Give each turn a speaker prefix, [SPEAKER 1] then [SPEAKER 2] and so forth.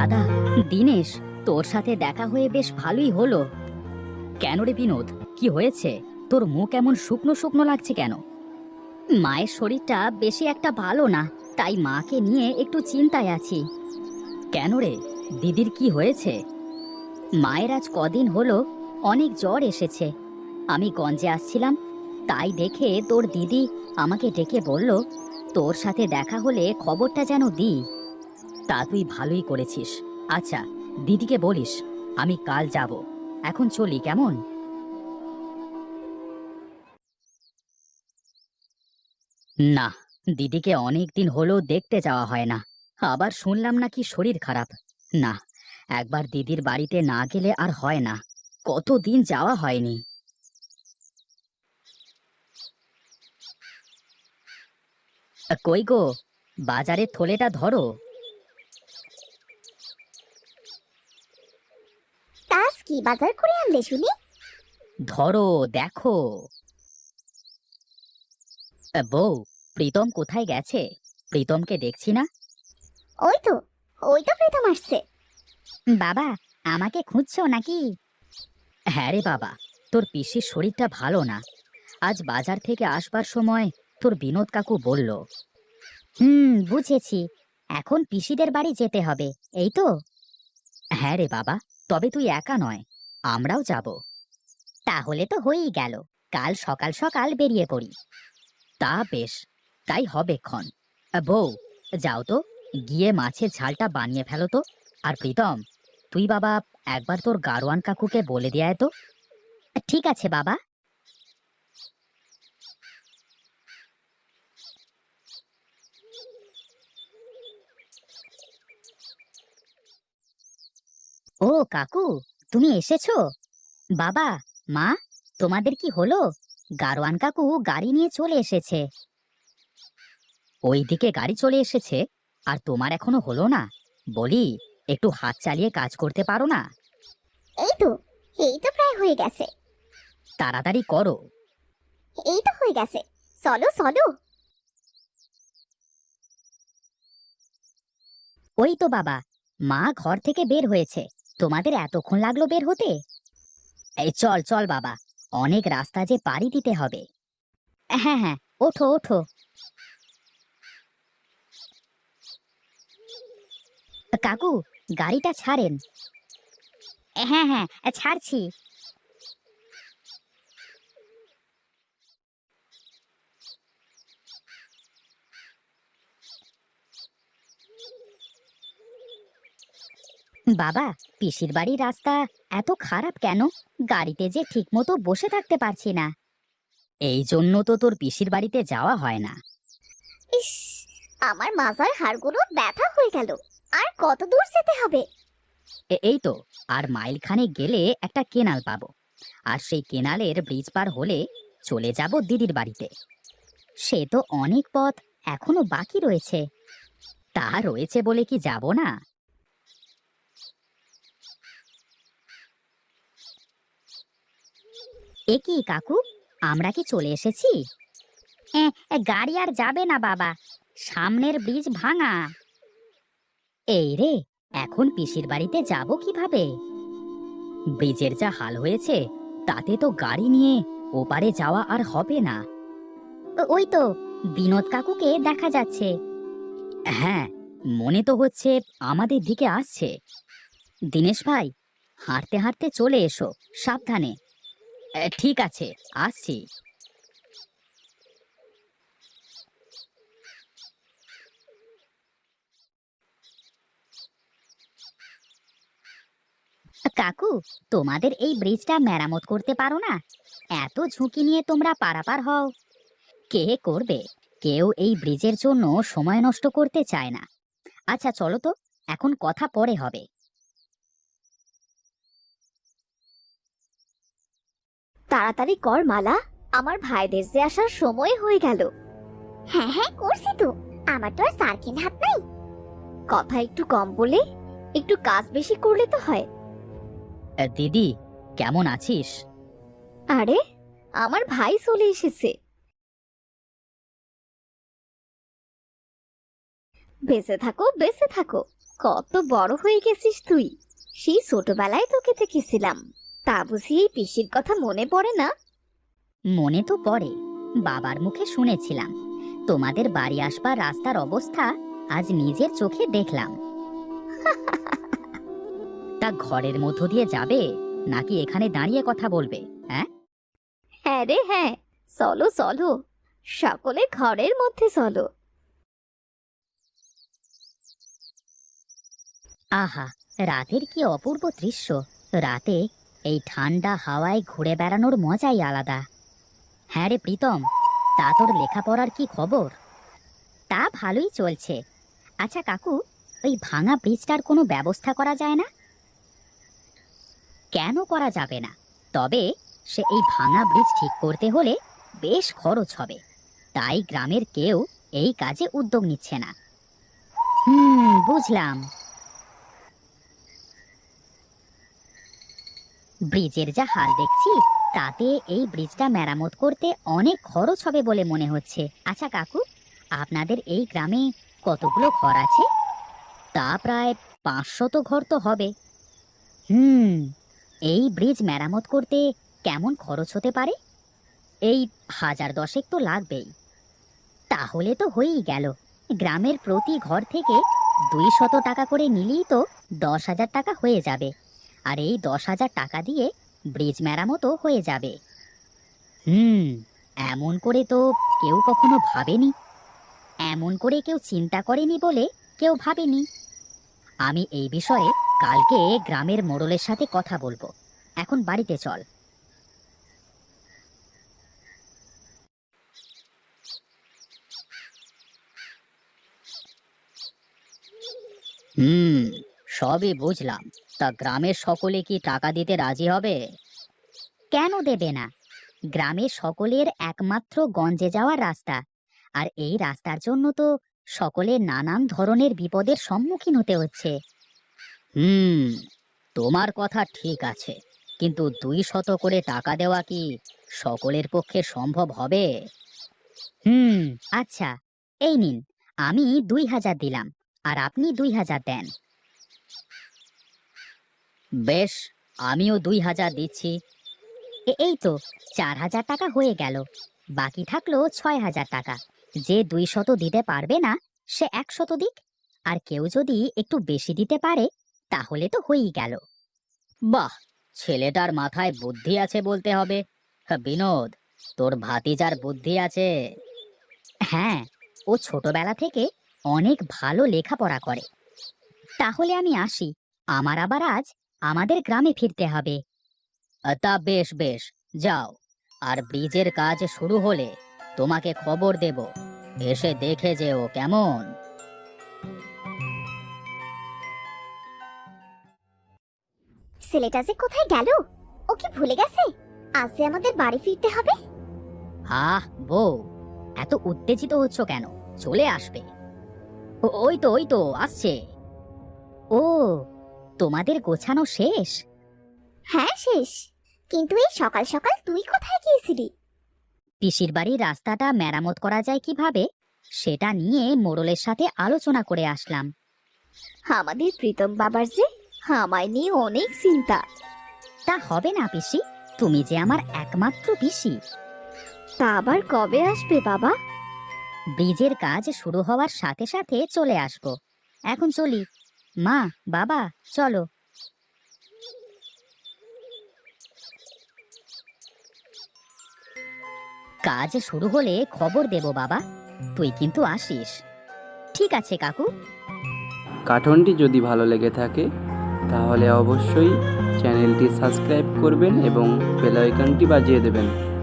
[SPEAKER 1] দাদা, দিনেশ, তোর সাথে দেখা হয়ে বেশ ভালোই হলো। কেন রে বিনোদ, কি হয়েছে? তোর মুখ এমন শুকনো শুকনো লাগছে কেন? মায়ের শরীরটা বেশি একটা ভালো না, তাই মাকে নিয়ে একটু চিন্তায় আছি। কেন রে, দিদির কি হয়েছে? মায়ের আজ কদিন হলো অনেক জ্বর এসেছে। আমি গঞ্জে আসছিলাম, তাই দেখে তোর দিদি আমাকে ডেকে বলল তোর সাথে দেখা হলে খবরটা যেন দিই। তা তুই ভালোই করেছিস। আচ্ছা, দিদিকে বলিস আমি কাল যাব। এখন চলি কেমন? না, দিদিকে অনেক দিন হলো দেখতে যাওয়া হয় না। আবার শুনলাম নাকি শরীর খারাপ। না, একবার দিদির বাড়িতে না গেলে আর হয় না। কতদিন যাওয়া হয়নি। কই গো, বাজারের থলেটা ধরো।
[SPEAKER 2] তাস কি বাজার করে আনলে শুনি?
[SPEAKER 1] ধরো, দেখো। বউ, প্রীতম কোথায় গেছে? প্রীতমকে দেখছি না।
[SPEAKER 2] ওই তো, ওই তো প্রীতম আসছে।
[SPEAKER 1] বাবা, আমাকে খুঁজছো নাকি? হ্যাঁ রে বাবা, তোর পিসির শরীরটা ভালো না। আজ বাজার থেকে আসবার সময় তোর বিনোদ কাকু বলল। বুঝেছি। এখন পিসিদের বাড়ি যেতে হবে, এই তো? হ্যাঁ রে বাবা, তবে তুই একা নয়, আমরাও যাব। তাহলে তো হয়েই গেল, কাল সকাল সকাল বেরিয়ে পড়ি। তা বেশ, তাই হবে ক্ষণ। বউ, যাও তো, গিয়ে মাছের ঝালটা বানিয়ে ফেলো তো। আর প্রীতম, তুই বাবা একবার তোর গারোয়ান কাকুকে বলে দিয়ে আয় তো। ঠিক আছে বাবা। ও কাকু, তুমি এসেছো? বাবা, মা, তোমাদের কি হলো? গারোয়ান কাকু গাড়ি নিয়ে চলে এসেছে। ওইদিকে গাড়ি চলে এসেছে, আর তোমার এখনো হলো না? বলি, একটু হাত চালিয়ে কাজ করতে পারো না?
[SPEAKER 2] এই তো, এই তো প্রায় হয়ে গেছে।
[SPEAKER 1] তাড়াতাড়ি করো।
[SPEAKER 2] এই তো হয়ে গেছে, চলো চলো।
[SPEAKER 1] ওই তো বাবা, মা ঘর থেকে বের হয়েছে। তোমাদের এতক্ষণ লাগলো বের হতে? এই চল চল বাবা, অনেক রাস্তা যে পাড়ি দিতে হবে। হ্যাঁ হ্যাঁ, ওঠো ওঠো। কাকু, গাড়িটা ছাড়েন। হ্যাঁ হ্যাঁ, ছাড়ছি। বাবা, পিসির বাড়ির রাস্তা এত খারাপ কেন? গাড়িতে যে ঠিক মতো বসে থাকতে পারছি না। এই জন্য তো তোর পিসির বাড়িতে যাওয়া হয় না।
[SPEAKER 2] ইস, আমার মাজার হাড়গুলো ব্যথা হয়ে গেল। আর কত দূর যেতে হবে?
[SPEAKER 1] এই তো, আর মাইল খানেক গেলে একটা কেনাল পাবো। আর সেই কেনালের ব্রিজ পার হলে চলে যাব দিদির বাড়িতে। সে তো অনেক পথ এখনো বাকি রয়েছে। তা রয়েছে বলে কি যাব না? এ কি কাকু, আমরা কি চলে এসেছি? গাড়ি আর যাবে না বাবা, সামনের ব্রিজ ভাঙা। এই রে, এখন পিসির বাড়িতে যাব কিভাবে? ব্রিজের যা হাল হয়েছে, তাতে তো গাড়ি নিয়ে ওপারে যাওয়া আর হবে না। ওই তো বিনোদ কাকুকে দেখা যাচ্ছে। হ্যাঁ, মনে তো হচ্ছে আমাদের দিকে আসছে। দিনেশ ভাই, হাঁটতে হাঁটতে চলে এসো, সাবধানে। ঠিক আছে, আসছি। কাকু, তোমাদের এই ব্রিজটা মেরামত করতে পারো না? এত ঝুঁকি নিয়ে তোমরা পারাপার হও। কে করবে? কেউ এই ব্রিজের জন্য সময় নষ্ট করতে চায় না। আচ্ছা চলো তো, এখন কথা পরে হবে।
[SPEAKER 2] তাড়াতাড়ি কর মালা, আমার ভাইদের যে আসার সময় হয়ে গেল। হ্যাঁ হ্যাঁ করছি তো, আমার তো আর সার্কিন হাত নাই। কথা একটু কম বলে একটু কাজ বেশি করলে তো হয়।
[SPEAKER 1] দিদি, কেমন আছিস?
[SPEAKER 2] আরে, আমার ভাই চলে এসেছে। বেঁচে থাকো বেঁচে থাকো। কত বড় হয়ে গেছিস তুই। সেই ছোটবেলায় তোকে দেখেছিলাম। তা বুঝি এই পিসির কথা মনে পড়ে না?
[SPEAKER 1] মনে তো পড়ে, বাবার মুখে শুনেছিলাম। তোমাদের বাড়ি আসবার রাস্তার অবস্থা আজ নিজের চোখে দেখলাম। তা ঘরের মধ্য দিয়ে যাবে নাকি এখানে দাঁড়িয়ে কথা বলবে? হ্যাঁ
[SPEAKER 2] হ্যাঁ রে হ্যাঁ, চলো চলো, সকলে ঘরের মধ্যে চলো।
[SPEAKER 1] আহা, রাতের কি অপূর্ব দৃশ্য! রাতে এই ঠান্ডা হাওয়ায় ঘুরে বেড়ানোর মজাই আলাদা। হ্যাঁ রে প্রীতম, তা তোর লেখাপড়ার কি খবর? তা ভালোই চলছে। আচ্ছা কাকু, ওই ভাঙা ব্রিজটার কোনো ব্যবস্থা করা যায় না? কেন করা যাবে না? তবে সে এই ভাঙা ব্রিজ ঠিক করতে হলে বেশ খরচ হবে। তাই গ্রামের কেউ এই কাজে উদ্যোগ নিচ্ছে না। বুঝলাম। ব্রিজের যা হাল দেখছি, তাতে এই ব্রিজটা মেরামত করতে অনেক খরচ হবে বলে মনে হচ্ছে। আচ্ছা কাকু, আপনাদের এই গ্রামে কতগুলো ঘর আছে? তা প্রায় 500 ঘর তো হবে। এই ব্রিজ মেরামত করতে কেমন খরচ হতে পারে? এই 1000-10 তো লাগবেই। তাহলে তো হয়েই গেল। গ্রামের প্রতি ঘর থেকে 200 টাকা করে নিলেই তো 10,000 টাকা হয়ে যাবে। আর এই 10,000 টাকা দিয়ে ব্রিজ মেরামতও হয়ে যাবে। এমন করে তো কেউ কখনো ভাবেনি। এমন করে কেউ চিন্তা করেনি বলে কেউ ভাবেনি। আমি এই বিষয়ে কালকে গ্রামের মোড়লের সাথে কথা বলবো। এখন বাড়িতে চল। সবই বুঝলাম। তা গ্রামের সকলে কি টাকা দিতে রাজি হবে? কেন দেবে না? গ্রামের সকলের একমাত্র গঞ্জে যাওয়ার রাস্তা। আর এই রাস্তার জন্য তো সকলের নানান ধরনের বিপদের সম্মুখীন হতে হচ্ছে। তোমার কথা ঠিক আছে, কিন্তু 200 করে টাকা দেওয়া কি সকলের পক্ষে সম্ভব হবে? আচ্ছা, এই নিন, আমি 2000 দিলাম আর আপনি 2000 দেন। বেশ, আমিও 2000 দিচ্ছি। এই তো 4000 টাকা হয়ে গেল। বাকি থাকলো 6000 টাকা। যে 200 দিতে পারবে না সে 100 দিক। আর কেউ যদি একটু বেশি দিতে পারে তাহলে তো হয়েই গেল। বাহ, ছেলেটার মাথায় বুদ্ধি আছে বলতে হবে। বিনোদ, তোর ভাতিজার বুদ্ধি আছে। হ্যাঁ, ও ছোটবেলা থেকে অনেক ভালো লেখাপড়া করে। তাহলে আমি আসি, আমার আবার আজ আমাদের গ্রামে ফিরতে হবে। তা বেশ বেশ, যাও। আর ব্রিজের কাজ শুরু হলে তোমাকে খবর দেব, এসে দেখে যেও কেমন।
[SPEAKER 2] ছেলেটা যে কোথায় গেল? ও কি ভুলে গেছে আজ যে আমাদের বাড়ি ফিরতে হবে?
[SPEAKER 1] আহ বউ, এত উত্তেজিত হচ্ছ কেন? চলে আসবে। ওই তো আসছে। ও, তোমাদের গোছানো শেষ?
[SPEAKER 2] হ্যাঁ শেষ। কিন্তু এই সকাল সকাল তুই কোথায় গিয়েছিলি?
[SPEAKER 1] পিসির বাড়ির রাস্তাটা মেরামত করা যায় কিভাবে সেটা নিয়ে মোড়লের সাথে আলোচনা করে আসলাম।
[SPEAKER 2] আমাদের প্রীতম বাবার যে আমায় নিয়ে অনেক চিন্তা।
[SPEAKER 1] তা হবে না পিসি, তুমি যে আমার একমাত্র পিসি।
[SPEAKER 2] তা আবার কবে আসবে বাবা?
[SPEAKER 1] ব্রিজের কাজ শুরু হওয়ার সাথে সাথে চলে আসবো। এখন চলি। মা, বাবা, চলো। কাজ শুরু হলে খবর দেব বাবা, তুই কিন্তু আসিস। ঠিক আছে কাকু।
[SPEAKER 3] কার্টুনটি যদি ভালো লেগে থাকে তাহলে অবশ্যই চ্যানেলটি সাবস্ক্রাইব করবেন এবং বেল আইকনটি বাজিয়ে দেবেন।